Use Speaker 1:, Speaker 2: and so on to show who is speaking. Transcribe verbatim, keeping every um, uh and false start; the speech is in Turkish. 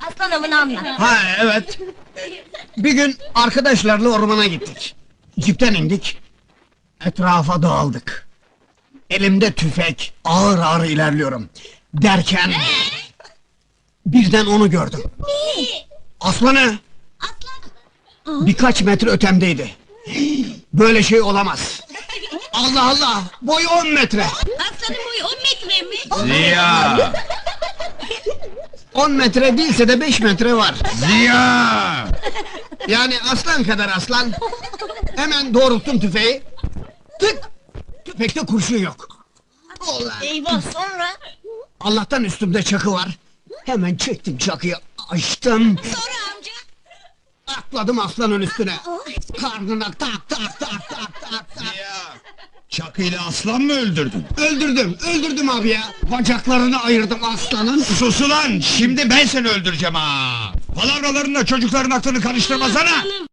Speaker 1: Aslan avını anlat.
Speaker 2: Ha evet. Bir gün arkadaşlarla ormana gittik. Cipten indik. Etrafa dağıldık. Elimde tüfek, ağır ağır ilerliyorum. Derken... birden onu gördüm. Aslanı!
Speaker 1: Aslan!
Speaker 2: Birkaç metre ötemdeydi. Böyle şey olamaz. Allah Allah! Boyu on metre!
Speaker 1: Aslanın boyu on metre mi?
Speaker 3: Ziya!
Speaker 2: On metre değilse de beş metre var.
Speaker 3: Ziya!
Speaker 2: Yani aslan kadar aslan. Hemen doğrulttum tüfeği. Tık! Tüfekte kurşun yok. Ulan!
Speaker 1: Eyvah, sonra?
Speaker 2: Allah'tan üstümde çakı var. Hemen çektim çakıyı, açtım.
Speaker 1: Sonra amca?
Speaker 2: Atladım aslanın üstüne. Karnına tak tak tak tak tak tak.
Speaker 3: Ziya! Çakıyla aslan mı öldürdün?
Speaker 2: Öldürdüm, öldürdüm abi ya. Bacaklarını ayırdım aslanın.
Speaker 3: Sus ulan! Şimdi ben seni öldüreceğim ha! Palavralarınla çocukların aklını karıştırmasana!